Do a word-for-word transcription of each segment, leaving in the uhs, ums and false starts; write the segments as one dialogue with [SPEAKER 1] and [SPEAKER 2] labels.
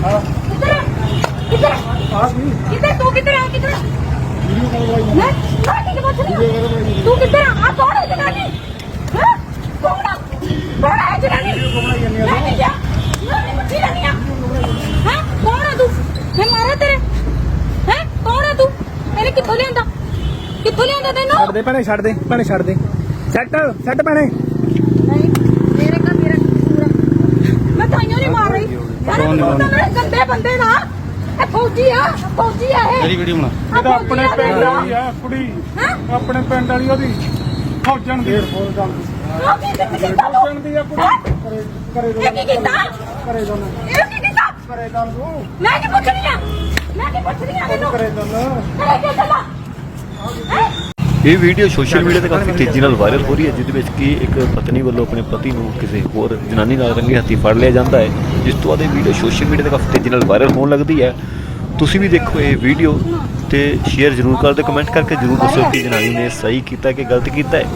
[SPEAKER 1] किधर किधर किधर तू किधर है किधर मैं मैं ठीक पूछ रही हूं तू किधर है आ कौन है जनानी हां कौन कौन है जनानी मैं नहीं जा मैं कुछ नहीं है हां कौन है तू मैं मारा तेरे हैं कौन है तू मैंने किथों लियांदा किथों लियांदा तैनू
[SPEAKER 2] ਛੱਡ ਦੇ ਭੈਣੇ ਛੱਡ ਦੇ ਭੈਣੇ ਛੱਡ ਦੇ ਸੈੱਟ ਸੈੱਟ ਭੈਣੇ
[SPEAKER 1] नहीं मेरे का मेरा पूरा मैं ताइयों नहीं मार रही सारे मुंडा मेरे गंदे बंदे ना ए फौजी आ फौजी आ है
[SPEAKER 3] ਮੇਰੀ ਵੀਡੀਓ ਬਣਾ
[SPEAKER 2] ਇਹ ਤਾਂ ਆਪਣੇ ਪਿੰਡ ਵਾਲੀ ਆ ਕੁੜੀ
[SPEAKER 1] हैं
[SPEAKER 2] ਆਪਣੇ ਪਿੰਡ ਵਾਲੀ ਉਹਦੀ ਫੌਜਣ ਦੀ ਫੌਜਣ
[SPEAKER 1] रोकी कितने कितना लो
[SPEAKER 2] ਦੀ ਆ ਕੁੜੀ ਕਰੇ ਕਰੇ
[SPEAKER 1] ये की कितना
[SPEAKER 2] ਕਰੇ ਦੋ
[SPEAKER 1] ये की कितना
[SPEAKER 2] ਕਰੇ ਦੋ ਤੂੰ
[SPEAKER 1] मैं की पूछ रही हूं मैं की पूछ रही हूं मैनू
[SPEAKER 2] ਕਰੇ ਦੋ
[SPEAKER 1] करे के चला हैं
[SPEAKER 4] ਇਹ ਵੀਡੀਓ ਸੋਸ਼ਲ ਮੀਡੀਆ ਤੇ ਕਾਫੀ ਤੇਜ਼ੀ ਨਾਲ ਵਾਇਰਲ ਹੋ ਰਹੀ ਹੈ, ਜਿਹਦੇ ਵਿੱਚ ਕਿ ਇੱਕ ਪਤਨੀ ਵੱਲੋਂ ਆਪਣੇ ਪਤੀ ਨੂੰ ਕਿਸੇ ਹੋਰ ਜਨਾਨੀ ਨਾਲ ਰੰਗੇ ਹੱਥੀਂ ਫੜ ਲਿਆ ਜਾਂਦਾ ਹੈ, ਜਿਸ ਤੋਂ ਬਾਅਦ ਇਹ ਵੀਡੀਓ ਸੋਸ਼ਲ ਮੀਡੀਆ ਤੇ ਕਾਫੀ ਤੇਜ਼ੀ ਨਾਲ ਵਾਇਰਲ ਹੋਣ ਲੱਗਦੀ ਹੈ। ਤੁਸੀਂ ਵੀ ਦੇਖੋ ਇਹ ਵੀਡੀਓ ਤੇ ਸ਼ੇਅਰ ਜ਼ਰੂਰ ਕਰ ਦਿਓ, ਕਮੈਂਟ ਕਰਕੇ ਜ਼ਰੂਰ ਦੱਸੋ ਕਿ ਜਨਾਨੀ ਨੇ ਸਹੀ ਕੀਤਾ ਕਿ ਗਲਤ ਕੀਤਾ ਹੈ।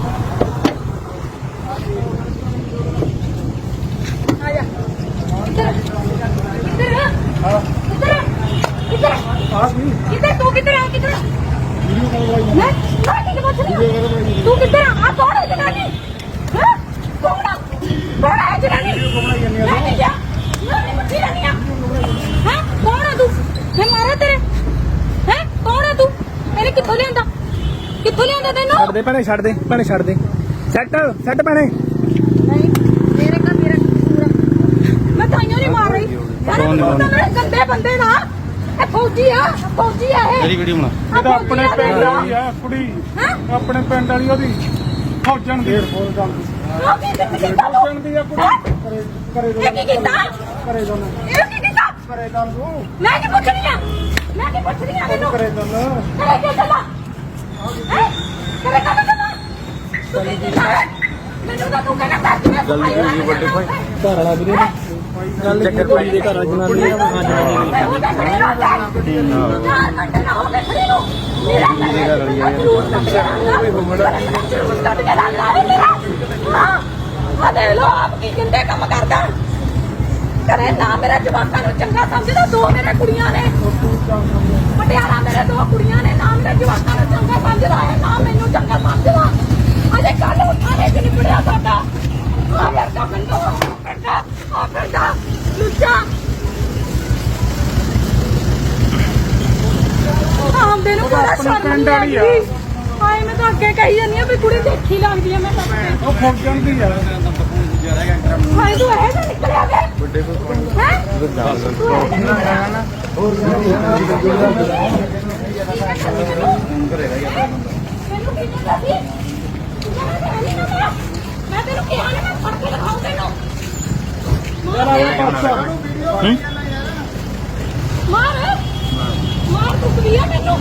[SPEAKER 1] आजा इधर इधर इधर इधर
[SPEAKER 2] ਆ ਗਈ
[SPEAKER 1] किधर तू किधर है किधर मैं मैं ठीक पूछ रही हूं तू किधर है आ कौन है जनानी हां कौन कौन है जनानी मैं नहीं जा मैं कुछ नहीं है हैं कौन है तू मैं मारा तेरे हैं कौन है तू मैंने किथों लियांदा किथों लियांदा तैनू
[SPEAKER 2] ਛੱਡ ਦੇ ਭੈਣੇ ਛੱਡ ਦੇ ਭੈਣੇ ਛੱਡ ਦੇ ਸੈੱਟ ਸੈੱਟ ਭੈਣੇ
[SPEAKER 1] नहीं मेरे का मेरा पूरा मैं ताइयों नहीं मार रही सारे मुंडा मेरे गंदे बंदे ना ए फौजी आ फौजी आ है
[SPEAKER 3] ਮੇਰੀ ਵੀਡੀਓ ਬਣਾ
[SPEAKER 2] ਇਹ ਤਾਂ ਆਪਣੇ ਪਿੰਡ ਵਾਲੀ ਆ ਕੁੜੀ
[SPEAKER 1] हैं
[SPEAKER 2] ਆਪਣੇ ਪਿੰਡ ਵਾਲੀ ਉਹਦੀ ਫੌਜਣ ਦੀ ਫੌਜਣ
[SPEAKER 1] रोकी कितने कितना लो
[SPEAKER 2] ਦੀ ਆ ਕੁੜੀ ਕਰੇ ਕਰੇ ਦੋ
[SPEAKER 1] ये की कितना
[SPEAKER 2] ਕਰੇ ਦੋ
[SPEAKER 1] ये की कितना
[SPEAKER 2] ਕਰੇ ਦੋ ਤੂੰ
[SPEAKER 1] मैं की पूछ रही हूं मैं की पूछ रही हूं मैनू
[SPEAKER 2] ਕਰੇ ਦੋ
[SPEAKER 1] करे के चला हैं करे के चला तू की कितना है मैनू तो तू कहना था कि मैं
[SPEAKER 2] ਜਲਦੀ ਕਰੀਏ ਵੱਡੇ ਭਾਈ ਘਰ ਵਾਲਾ ਵੀਰੇ ਗੱਲ ਚੱਕਰ ਭਾਈ ਦੇ ਘਰ ਵਾਲਾ ਜਨਾਨੀ ਆ ਹਾਂ ਜਨਾਨੀ
[SPEAKER 1] मैं हो जा खड़ी रहो चार घंटे ना हो गए खड़ी रहो मेरा घर वाली है जरूर कट के लग रहा है मेरा हां आ देख लो आप की किंदे काम करदा करे ना मेरा जवाकां ਨੂੰ ਚੰਗਾ ਸਮਝਦਾ ਦੋ ਮੇਰੇ ਕੁੜੀਆਂ ਨੇ ਪਟਿਆਲਾ ਮੇਰੇ ਦੋ ਕੁੜੀਆਂ ਨੇ ਨਾ ਮੇਰੇ ਜਵਾਕਾਂ ਨੂੰ ਚੰਗਾ ਸਮਝਦਾ ਹੈ ਨਾ ਮੈਨੂੰ ਚੰਗਾ ਸਮਝਦਾ ਅਜੇ ਕੱਲ ਉਠਾਣੇ ਚ ਨਿਬੜਿਆ ਸਾਡਾ ਆ ਯਾਰ ਕਾ ਮੈਨੂੰ ਕਰਦਾ ਆ ਕਰਦਾ ਲੁੱਚਾ ਆਉਂਦੇ ਨੂੰ ਬੜਾ ਸ਼ਰਮ
[SPEAKER 2] ਪਿੰਡ ਵਾਲੀ ਆ।
[SPEAKER 1] ਹਾਏ ਮੈਂ ਤਾਂ ਅੱਗੇ ਕਹੀ ਜਾਂਦੀ ਆ ਵੀ ਕੁੜੀ ਦੇਖੀ ਲੱਗਦੀ ਆ ਮੈਂ ਤਾਂ
[SPEAKER 2] ਉਹ ਫੌਜਣ ਦੀ ਆ
[SPEAKER 1] ਹਾਏ ਤੂੰ ਇਹ ਤਾਂ ਨਿਕਲਿਆ ਵੇ ਵੱਡੇ ਕੋਲ ਹੈ ਮੈਨੂੰ ਕੀ ਕਹਿੰਦਾ ਸੀ ਮੈਂ ਤੈਨੂੰ ਕਿਹਾ ਨਾ ਮੈਂ ਫੜ ਕੇ ਦਿਖਾਉਂ ਤੈਨੂੰ
[SPEAKER 2] ਹੂੰ
[SPEAKER 1] ਮਾਰ ਮਾਰ ਤੂੰ ਵੀ ਆ ਮੈਨੂੰ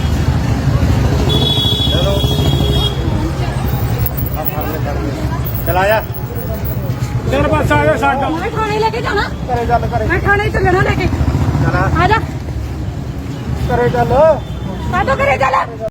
[SPEAKER 2] ਚਲਾਇਆ ਤੇਰੇ ਪਾਸ ਆ ਜਾ ਸਾਡਾ
[SPEAKER 1] ਮੈਂ ਥਾਣੇ ਲੈ ਕੇ ਜਾਣਾ
[SPEAKER 2] ਕਰੇ ਗੱਲ ਕਰੇ
[SPEAKER 1] ਮੈਂ ਥਾਣੇ ਚੱਲਣਾ ਲੈ ਕੇ
[SPEAKER 2] ਚਲਾ
[SPEAKER 1] ਆ ਜਾ
[SPEAKER 2] ਕਰੇ ਗੱਲ
[SPEAKER 1] ਕਾਹਤੋਂ ਕਰੇ ਚੱਲ